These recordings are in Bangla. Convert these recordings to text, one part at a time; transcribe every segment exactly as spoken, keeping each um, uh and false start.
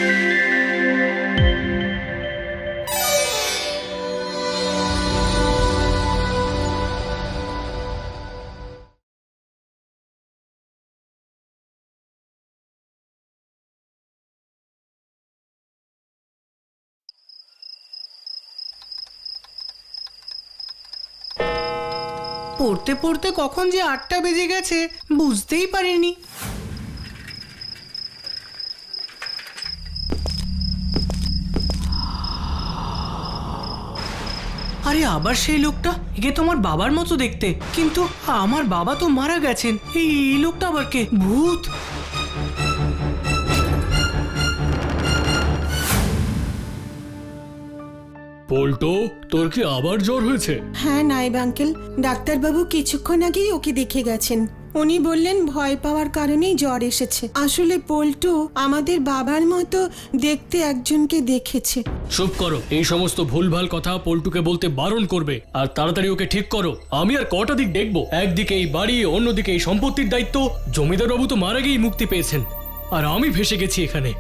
পড়তে পড়তে কখন যে আটটা বেজে গেছে বুঝতেই পারিনি। আরে আবার সেই লোকটা, একে তো আমার বাবার মতো দেখতে, কিন্তু আমার বাবা তো মারা গেছেন। এই লোকটা আবার কে? ভূত? পল্টু, তোর কি আবার জ্বর হয়েছে? হ্যাঁ নায়েব আঙ্কেল, ডাক্তারবাবু কিছুক্ষণ আগেই ওকে দেখে গেছেন। উনি বললেন ভয় পাওয়ার কারণেই জ্বর এসেছে। আসলে পল্টু আমাদের বাবার মতো দেখতে একজনকে দেখেছে। চুপ করো, এই সমস্ত ভুলভাল কথা পল্টুকে বলতে বারণ করবে, আর তাড়াতাড়ি ওকে ঠিক করো। আমি আর কটা দিক দেখবো? একদিকে এই বাড়ি, অন্যদিকে এই সম্পত্তির দায়িত্ব। জমিদার বাবু তো মারা গিয়েই মুক্তি পেয়েছেন, আর আমি ভেসে গেছি এখানে।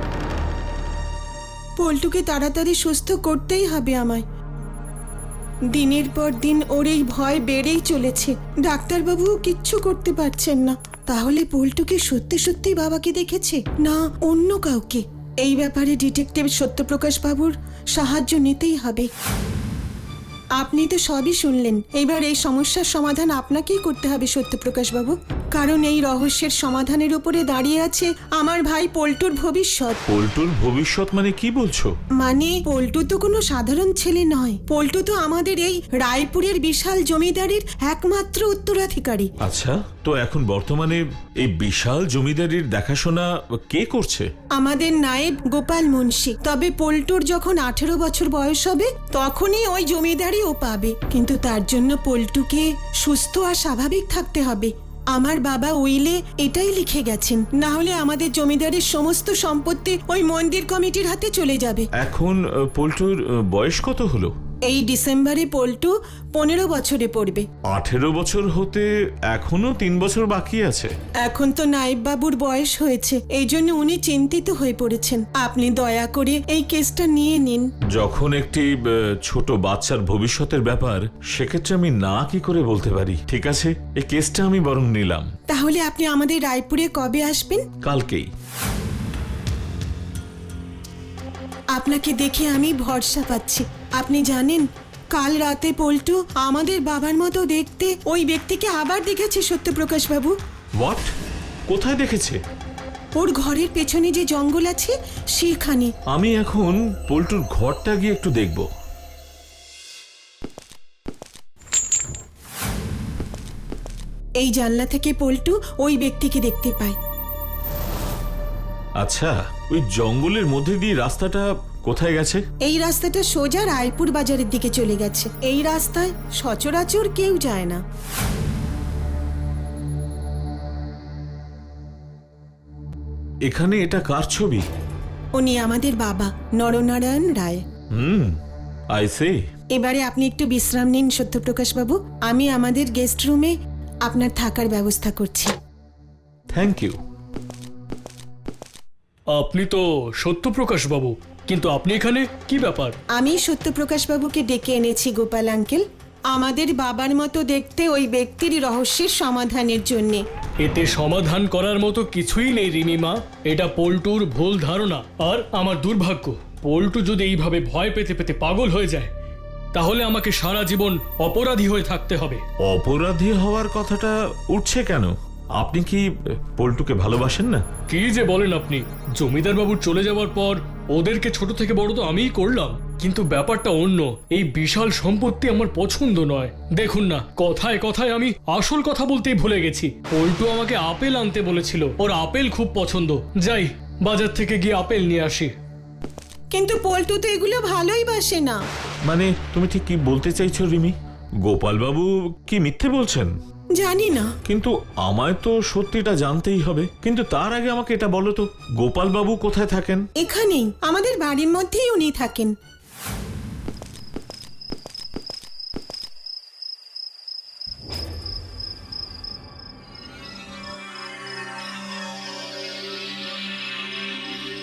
পল্টুকে তাড়াতাড়ি সুস্থ করতেই হবে আমায়। দিনের পর দিন ওর এই ভয় বেড়েই চলেছে। ডাক্তারবাবু কিচ্ছু করতে পারছেন না। তাহলে পল্টুকে সত্যি সত্যি বাবাকে দেখেছে, না অন্য কাউকে? এই ব্যাপারে ডিটেকটিভ সত্যপ্রকাশ বাবুর সাহায্য নিতেই হবে। আপনি তো সবই শুনলেন, এবার এই সমস্যার সমাধান আপনাকেই করতে হবে সত্যপ্রকাশ বাবু, কারণ এই রহস্যের সমাধানের উপরে দাঁড়িয়ে আছে আমার ভাই পল্টুর ভবিষ্যৎ। পল্টুর ভবিষ্যৎ মানে কি বলছো? মানে পল্টু তো কোনো সাধারণ ছেলে নয়। পল্টু তো আমাদের এই রায়পুরের বিশাল জমিদারির একমাত্র উত্তরাধিকারী। আচ্ছা, তো এখন বর্তমানে এই বিশাল জমিদারির দেখাশোনা কে করছে? আমাদের নায়েব গোপাল মুন্সি। তবে পল্টুর যখন আঠেরো বছর বয়স হবে তখনই ওই জমিদারি ও পাবে, কিন্তু তার জন্য পল্টুকে সুস্থ আর স্বাভাবিক থাকতে হবে। আমার বাবা উইলে এটাই লিখে গেছেন, না হলে আমাদের জমিদারির সমস্ত সম্পত্তি ওই মন্দির কমিটির হাতে চলে যাবে। এখন পল্টুর বয়স কত হলো? এই ডিসেম্বরে পল্টু পনেরো বছরে পড়বে। আঠেরো বছর হতে এখনো তিন বছর বাকি আছে। এখন তো নায়েব বাবুর বয়স হয়েছে, এই জন্য উনি চিন্তিত হয়ে পড়েছেন। আপনি দয়া করে এই কেসটা নিয়ে নিন। যখন একটি ছোট বাচ্চার ভবিষ্যতের ব্যাপার, সেক্ষেত্রে আমি না কি করে বলতে পারি। ঠিক আছে, এই কেসটা আমি বরং নিলাম। তাহলে আপনি আমাদের রায়পুরে কবে আসবেন? কালকেই। আপনাকে দেখে আমি ভরসা পাচ্ছি। আপনি জানেন, কাল রাতে পল্টু আমাদের বাবার মতো দেখতে ওই ব্যক্তিকে আবার দেখেছে সত্যপ্রকাশ বাবু। হোয়াট? কোথায় দেখেছে? ওর ঘরের পেছনে যে জঙ্গল আছে সেখানে। আমি এখন পল্টুর ঘরটা গিয়ে একটু দেখব। এই জানলা থেকে পল্টু ওই ব্যক্তিকে দেখতে পায়। আচ্ছা, ওই জঙ্গলের মধ্যে দিয়ে রাস্তাটা কোথায় গেছে? এই রাস্তাটা সোজা রায়পুর বাজারের দিকে চলে গেছে। এই রাস্তায় সচরাচর কেউ যায় না। এখানে এটা কার ছবি? উনি আমাদের বাবা নরনারায়ণ রায়। হুম, আই সি। এবারে আপনি একটু বিশ্রাম নিন সত্যপ্রকাশ বাবু, আমি আমাদের গেস্ট রুমে আপনার থাকার ব্যবস্থা করছি। Thank you. আপনি তো সত্যপ্রকাশ বাবু, কিন্তু আপনি এখানে কি ব্যাপার? আমি সত্যপ্রকাশ বাবুকে ডেকে এনেছি গোপাল আঙ্কেল, আমাদের বাবার মতো দেখতে ওই ব্যক্তির রহস্যের সমাধানের জন্যে। এতে সমাধান করার মতো কিছুই নেই রিমিমা। এটা পল্টুর ভুল ধারণা, আর আমার দুর্ভাগ্য। পল্টু যদি এইভাবে ভয় পেতে পেতে পাগল হয়ে যায়, তাহলে আমাকে সারা জীবন অপরাধী হয়ে থাকতে হবে। অপরাধী হওয়ার কথাটা উঠছে কেন? আপনি কি পল্টুকে ভালোবাসেন না? কি যে বলেন আপনি! জমিদার বাবুর চলে যাওয়ার পর ওদেরকে ছোট থেকে বড় তো আমিই করলাম, কিন্তু ব্যাপারটা অন্য। এই বিশাল সম্পত্তি আমার পছন্দ নয়। দেখুন না, কথায় কথায় আমি আসল কথা বলতেই ভুলে গেছি। পল্টু আমাকে আপেল আনতে বলেছিল, ওর আপেল খুব পছন্দ। যাই বাজার থেকে গিয়ে আপেল নিয়ে আসি। কিন্তু পল্টু তো এগুলো ভালোই বাসে না। মানে তুমি ঠিক কি বলতে চাইছো রিমি? গোপাল বাবু কি মিথ্যে বলছেন? জানি না, কিন্তু আমায় তো সত্যিটা জানতেই হবে। কিন্তু তার আগে আমাকে এটা বলো তো, গোপাল বাবু কোথায় থাকেন? এখানেই আমাদের বাড়ির মধ্যেই উনি থাকেন।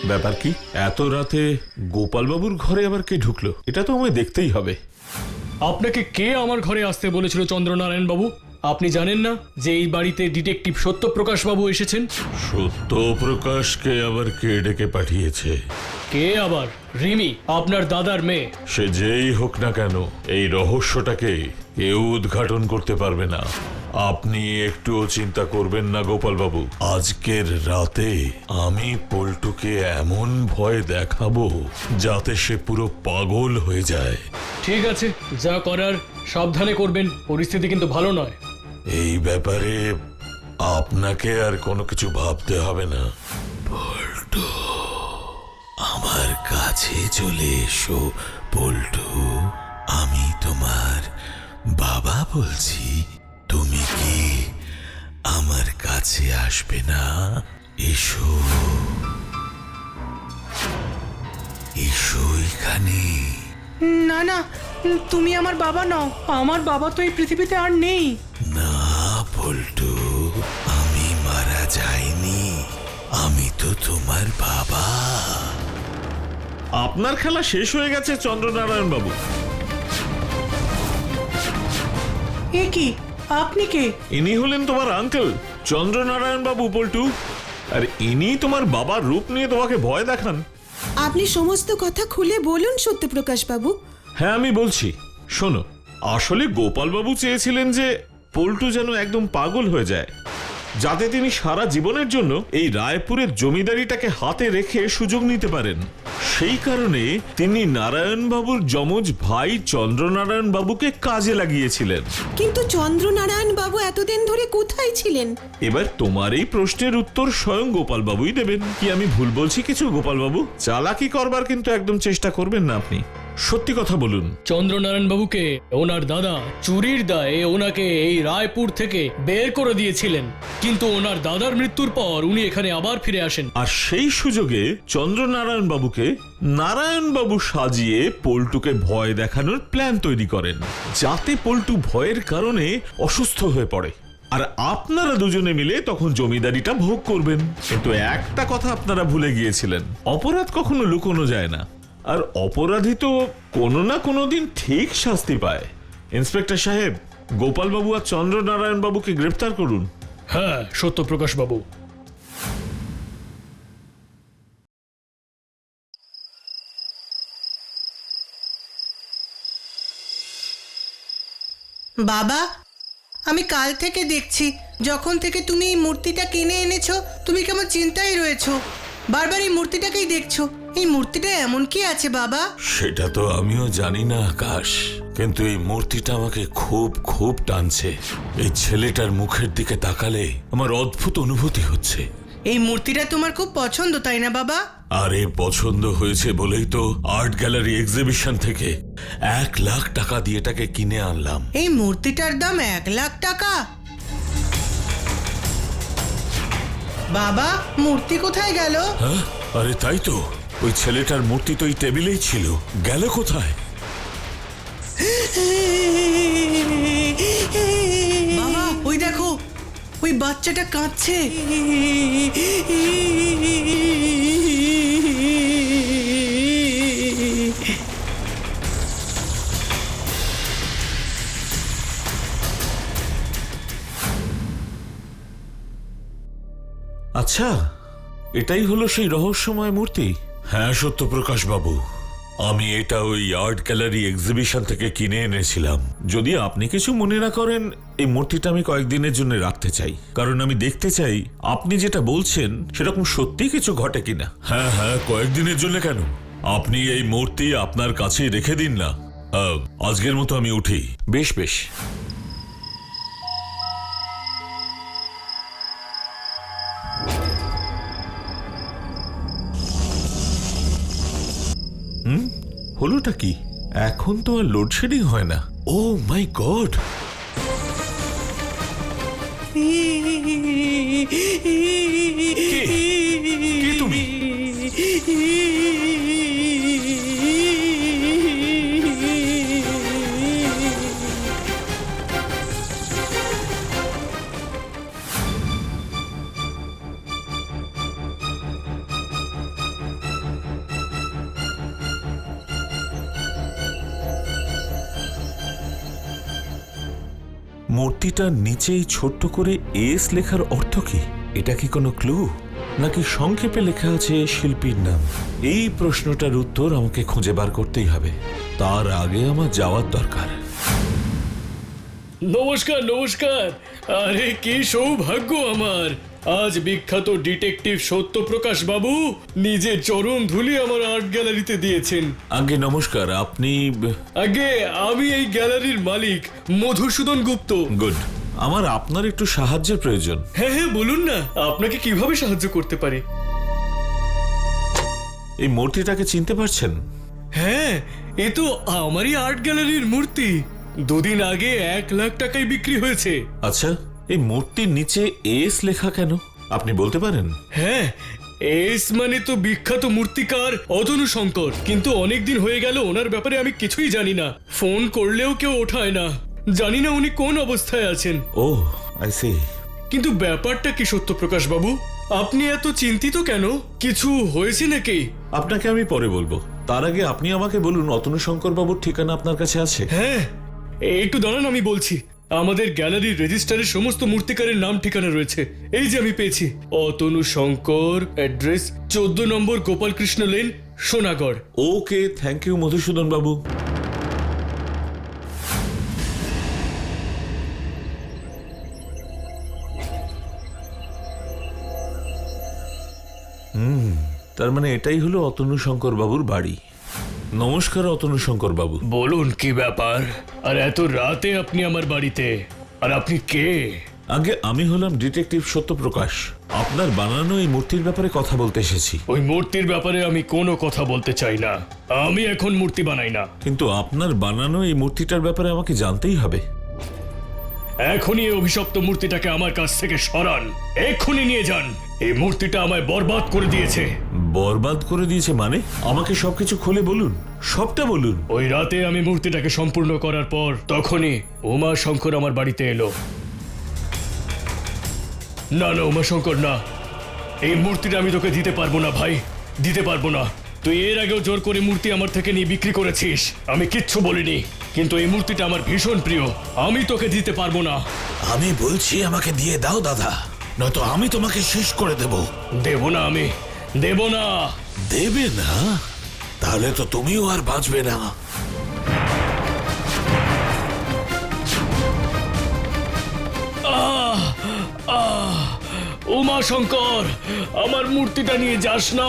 ব্যাপার কি? এত রাতে গোপালবাবুর ঘরে আবার কে ঢুকলো? এটা তো আমায় দেখতেই হবে। আপনাকে কে আমার ঘরে আসতে বলেছিল চন্দ্রনারায়ণ বাবু? আপনি জানেন না যে এই বাড়িতে ডিটেকটিভ সত্যপ্রকাশ বাবু এসেছেন? সত্যপ্রকাশকে আবার কে ডেকে পাঠিয়েছে? কে আবার? রিমি, আপনার দাদার মেয়ে। সে যেই হোক না কেন, এই রহস্যটাকে কেউ উদ্ঘাটন করতে পারবে না। আপনি একটুও চিন্তা করবেন না গোপালবাবু। আজকের রাতে আমি পল্টুকে এমন ভয় দেখাবো যাতে সে পুরো পাগল হয়ে যায়। ঠিক আছে, যা করার সাবধানে করবেন, পরিস্থিতি কিন্তু ভালো নয়। এই ব্যাপারে আপনাকে আর কোনো কিছু ভাবতে হবে না। পল্টু, আমার কাছে চলে এসো পল্টু। আমি তোমার বাবা বলছি। তুমি কি আমার কাছে আসবে না? এসো, এসো এখানে। না না, তুমি আমার বাবা নও। আমার বাবা তো এই পৃথিবীতে আর নেই। না পল্টু, আমি মারা যাইনি। আমি তো তোমার বাবা। আপনার খেলা শেষ হয়ে গেছে চন্দ্রনারায়ণ বাবু। এ কি? আপনি কে? ইনি হলেন তোমার আঙ্কেল চন্দ্রনারায়ণ বাবু পল্টু। আর ইনি তোমার বাবার রূপ নিয়ে তোমাকে ভয় দেখান। আপনি সমস্ত কথা খুলে বলুন সত্যপ্রকাশ বাবু। হ্যাঁ, আমি বলছি। শোনো, আসলে গোপালবাবু চেয়েছিলেন যে পল্টু যেন একদম পাগল হয়ে যায়, যাতে তিনি সারা জীবনের জন্য এই রায়পুরের জমিদারিটাকে হাতে রেখে সুযোগ নিতে পারেন। সেই কারণে তিনি নারায়ণ বাবুর যমজ ভাই চন্দ্রনারায়ণ বাবুকে কাজে লাগিয়েছিলেন। কিন্তু চন্দ্রনারায়ণ বাবু এতদিন ধরে কোথায় ছিলেন? এবার তোমার এই প্রশ্নের উত্তর স্বয়ং গোপাল বাবুই দেবেন। কি আমি ভুল বলছি কিছু গোপাল বাবু? চালাকি করবার কিন্তু একদম চেষ্টা করবেন না আপনি। সত্যি কথা বলুন। চন্দ্রনারায়ণ বাবুকে ওনার দাদা চুরির দায়ে ওনাকে এই রায়পুর থেকে বের করে দিয়েছিলেন, কিন্তু ওনার দাদার মৃত্যুর পর উনি এখানে আবার ফিরে আসেন। আর সেই সুযোগে চন্দ্রনারায়ণ বাবুকে নারায়ণ বাবু সাজিয়ে পল্টুকে ভয় দেখানোর প্ল্যান তৈরি করেন, যাতে পল্টু ভয়ের কারণে অসুস্থ হয়ে পড়ে। আর আপনারা দুজনে মিলে তখন জমিদারিটা ভোগ করবেন। কিন্তু একটা কথা আপনারা ভুলে গিয়েছিলেন, অপরাধ কখনো লুকোনো যায় না। আর অপরাধী তো কোনো না কোনো দিন ঠিক শাস্তি পায়। ইন্সপেক্টর সাহেব, গোপালবাবু আর চন্দ্রনারায়ণ বাবুকে গ্রেফতার করুন। হ্যাঁ সত্যপ্রকাশ বাবু। বাবা, আমি কাল থেকে দেখছি, যখন থেকে তুমি এই মূর্তিটা কিনে এনেছো তুমি কেমন চিন্তায় রয়েছো। বারবার এই মূর্তিটাকেই দেখছো। এই মূর্তিটা এমন কি আছে বাবা? সেটা তো আমিও জানি না আকাশ, কিন্তু এই মূর্তিটা আমাকে খুব খুব টানছে। এই ছেলেটার মুখের দিকে তাকালে আমার অদ্ভুত অনুভূতি হচ্ছে। এই মূর্তিটা তোমার খুব পছন্দ, তাই না বাবা? আরে পছন্দ হয়েছে বলেই তো আর্ট গ্যালারি এক্সিবিশন থেকে এক লাখ টাকা দিয়ে এটাকে কিনে আনলাম। এই মূর্তিটার দাম এক লাখ টাকা? বাবা, মূর্তি কোথায় গেল? হ্যাঁ, আরে তাই তো, ওই ছেলেটার মূর্তি তো এই টেবিলেই ছিল, গেল কোথায়? বাবা, ওই দেখো, ওই বাচ্চাটা কাঁদছে। আচ্ছা, এটাই হলো সেই রহস্যময় মূর্তি। হ্যাঁ সত্যপ্রকাশ বাবু, আমি এটা ওই আর্ট গ্যালারি এক্সিবিশন থেকে কিনে এনেছিলাম। যদি আপনি কিছু মনে না করেন, এই মূর্তিটা আমি কয়েকদিনের জন্য রাখতে চাই, কারণ আমি দেখতে চাই আপনি যেটা বলছেন সেরকম সত্যি কিছু ঘটে কিনা। হ্যাঁ হ্যাঁ, কয়েকদিনের জন্য কেন, আপনি এই মূর্তি আপনার কাছে রেখে দিন না। আহ, আজকের মতো আমি উঠি। বেশ বেশ। হুম, হলোটা কি? এখন তো আর লোডশেডিং হয় না। Oh my god! কে তুমি? মূর্তিটার নিচেই ছোট্ট করে এস লেখার অর্থ কি? এটা কি কোনো ক্লু, নাকি সংক্ষেপে লেখা আছে শিল্পীর নাম? এই প্রশ্নটার উত্তর আমাকে খুঁজে বার করতেই হবে। তার আগে আমার যাওয়ার দরকার। নমস্কার নমস্কার। আরে কি সৌভাগ্য আমার, আজ বিখ্যাত ডিটেকটিভ সত্যপ্রকাশ বাবু নিজের চরণ ধুলি আমার আর্ট গ্যালারিতে দিয়েছেন। আগে নমস্কার, আপনি? আগে আমি এই গ্যালারির মালিক মধুসূদন গুপ্ত। গুড। আমার আপনার একটু সাহায্যের প্রয়োজন। হ্যাঁ হ্যাঁ বলুন না, আপনাকে কিভাবে সাহায্য করতে পারি? এই মূর্তিটাকে চিনতে পারছেন? হ্যাঁ, এ তো আমারই আর্ট গ্যালারির মূর্তি। দুদিন আগে এক লাখ টাকায় বিক্রি হয়েছে। আচ্ছা, এই মূর্তির নিচে এস লেখা কেন আপনি বলতে পারেন? হ্যাঁ, এস মানে তো বিখ্যাত মূর্তিকার অতনু শঙ্কর, কিন্তু অনেকদিন হয়ে গেল ওনার ব্যাপারে আমি কিছুই জানি না। ফোন করলেও কেউ ওঠায় না, জানি না উনি কোন অবস্থায় আছেন। Oh I see. কিন্তু ব্যাপারটা কি সত্যপ্রকাশ বাবু, আপনি এত চিন্তিত কেন? কিছু হয়েছে নাকি? আপনাকে আমি পরে বলবো, তার আগে আপনি আমাকে বলুন, অতনু শঙ্কর বাবুর ঠিকানা আপনার কাছে আছে? হ্যাঁ, একটু দাঁড়ান আমি বলছি। আমাদের গ্যালারির রেজিস্টারে সমস্ত মূর্তিকারের নাম ঠিকানা রয়েছে। এই যে আমি পেয়েছি, অতনু শঙ্কর, অ্যাড্রেস চোদ্দ নম্বর Gopalkrishna lane, Sonagarh. Okay, thank you Madhusudan বাবু। হুম, তার মানে এটাই হলো অতনু শঙ্কর বাবুর বাড়ি। নমস্কার অতনু শঙ্কর বাবু। বলুন কি ব্যাপার, আর এত রাতে আপনি আমার বাড়িতে? আর আপনি কে? আগে আমি হলাম ডিটেকটিভ সত্যপ্রকাশ। আপনার বানানো এই মূর্তির ব্যাপারে কথা বলতে এসেছি। ওই মূর্তির ব্যাপারে আমি কোনো কথা বলতে চাই না। আমি এখন মূর্তি বানাই না। কিন্তু আপনার বানানো এই মূর্তিটার ব্যাপারে আমাকে জানতেই হবে। এখনই এই অভিশপ্ত মূর্তিটাকে আমার কাছ থেকে সরান, এক্ষুনি নিয়ে যান। এই মূর্তিটা আমায় বরবাদ করে দিয়েছে। বরবাদ করে দিয়েছে মানে? আমাকে সবকিছু খুলে বলুন, সবটা বলুন। ওই রাতে আমি মূর্তিটাকে সম্পূর্ণ করার পর তখনই উমা শঙ্কর আমার বাড়িতে এলো। না না উমা শঙ্কর না, এই মূর্তিটা আমি তোকে দিতে পারবো না ভাই, দিতে পারবো না। তুই এর আগেও জোর করে মূর্তি আমার থেকে নিয়ে বিক্রি করেছিস, আমি কিচ্ছু বলিনি। কিন্তু এই মূর্তিটা আমার ভীষণ প্রিয়, আমি তোকে দিতে পারবো না। আমি বলছি আমাকে দিয়ে দাও দাদা, নয়তো আমি তোমাকে শেষ করে দেব। দেব না, আমি দেব না। দেবে না? তাহলে তো তুমিও আর বাঁচবে না। আহ আহ উমা শঙ্কর, আমার মূর্তিটা নিয়ে যাস না।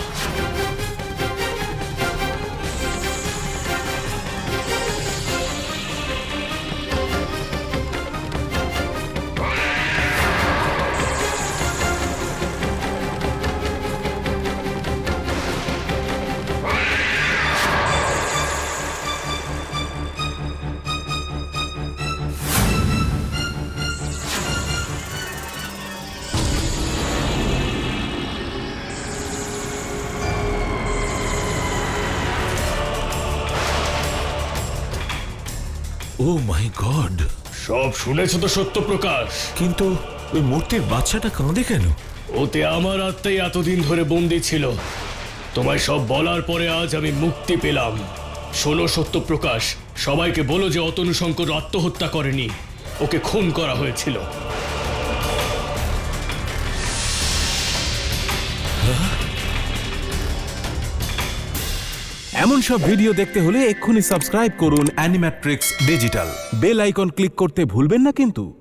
Oh my god! সব শুনেছ তো সত্যপ্রকাশ? কিন্তু ওই মূর্তির বাচ্চাটা কাঁদে কেন? ওতে আমার আত্মাই এতদিন ধরে বন্দি ছিল। তোমায় সব বলার পরে আজ আমি মুক্তি পেলাম। শোনো সত্যপ্রকাশ, সবাইকে বলো যে অতনু শঙ্কর আত্মহত্যা করেনি, ওকে খুন করা হয়েছিল। এমন সব ভিডিও দেখতে হলে এক্ষুনি সাবস্ক্রাইব করুন Animatrix digital. Bell icon click করতে ভুলবেন না কিন্তু।